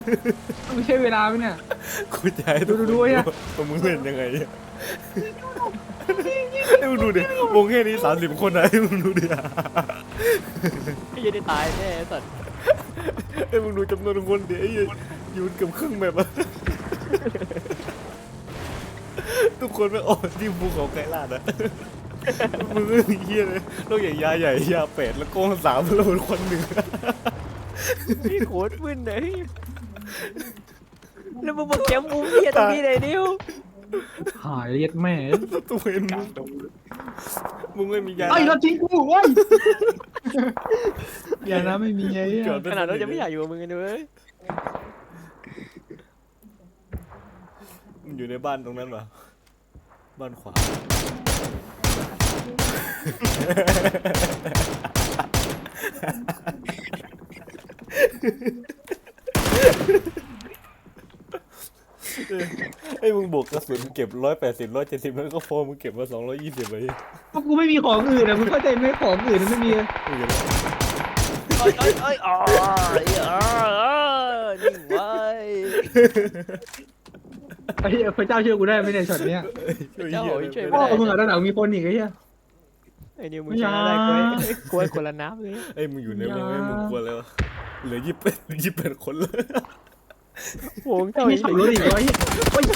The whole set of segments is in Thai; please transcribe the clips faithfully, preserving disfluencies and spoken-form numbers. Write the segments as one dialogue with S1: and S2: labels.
S1: ไม่ใช่เวลาไหมเนี่ย
S2: กูจะให้ทุกคน
S1: ดูดูๆเนี่ย
S2: ว่ามึงเล่นยังไงเนี่ยไอ้มึงดูดิวงแค่นี้สามสิบคนนะไอ้มึงดูดิ
S3: ไอ้ยันได้ตายแน่สัตว์
S2: ไอ้มึงดูจำนวนคนดิไอ้ยืนเกือบครึ่งแบบอะทุกคนไม่ออกที่ภูเขาไกลลาดอะมึงก็เฮียเลยนอกจากยาใหญ่ยาเป็ดแล้วโกงสามแล้วมันคนหนึ่ง
S3: พี่โคตรมึนเลยแล้วมึงมาแกมมุมเหี้ยตรงนี้เลยนิ้ว
S1: หายเรียกแม่
S2: ตัวเองมึงมึงไม่มียา
S1: ไอ้รถทิ้งกูเว้ยอย่านะไม่มีไอ้เนี่ย
S3: ขนาดเราจะไม่อยากอยู่กับมึงกันเลย
S2: มันอยู่ในบ้านตรงนั้นปะบ้านขวาไอ้มึงบวกกระสุนเก็บร้อยแปดสิบร้อยเจ็ดสิบแล้วก็โฟมมึงเก็บมาสองร้อยยี่สิบไป
S1: เพราะกูไม่มีของอื่นอะมึงเข้าใจไหมของอื่นมันไม่มี
S2: มึงเห็นไหม
S3: เอ้ยเอ้ยเอ้ยอ๋อเออนิ่งไว้
S1: ไอ้เหี้ยพระเจ้าช่วยกูได้ไหมเนี่ยช็อตเนี้ย
S3: เจ้าโหยช่วย
S1: พ่
S3: ไม่
S1: อ
S3: ได้
S1: มึงอะด้านหลังมีคนอีกไอ้เหี้ย
S3: ไอ้นิวมึงชนะได้กล้วยกล้วยคนละน้ำเลย
S2: ไอ้มึงอยู่ในวงไอ้มึงกลัวแล้วะเหลือยี่สิบเป็นยี่สิบเป็นคนเลย
S3: โหงเจ้า
S1: ไม่
S3: ไอ้
S1: ขับรถอีกวะไอ้เหี้ยโอ๊ย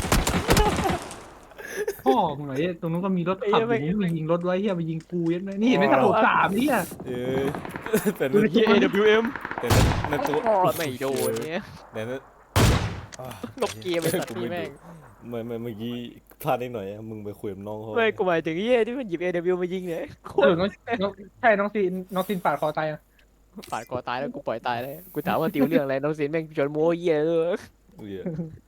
S1: พ่อมึงเหรอไอ้ตรงนู้นก็มีรถขับอยู่มึงยิงรถไว้เหี้ยไปยิงกูยัดไหมนี่เห็นไหมกระโดดสามเหี้ย
S2: เออแต่
S1: ดู
S2: นั่น
S1: ดิ
S3: เอ ดับเบิลยูเอ็ม
S2: แต่นั่นตัว
S3: ไม่โดนเนี่ย
S2: แต่นั่น
S3: ลบเกมไปสัตว์นี่แม่ง
S2: ไม่ไม่เมื่อกี้พลาดนิดหน่อยอะมึงไปคุยกับน้องเขา
S3: ไม่กูหมายถึงเหี้ยที่มันหยิบ เอ ดับเบิลยู มายิงเนี่ยโค
S1: เอ
S3: ต
S1: อ
S3: ร
S1: น้องน้องใช่น้องซีนน้องซีนปาดคอตายอะ
S3: ปาดคอตายแล้วกูปล่อยตายเลยกูถามว่าติวเรื่องอะไรน้องสินแม่งชวนโม้เหี้ยเลย
S2: เหี้ย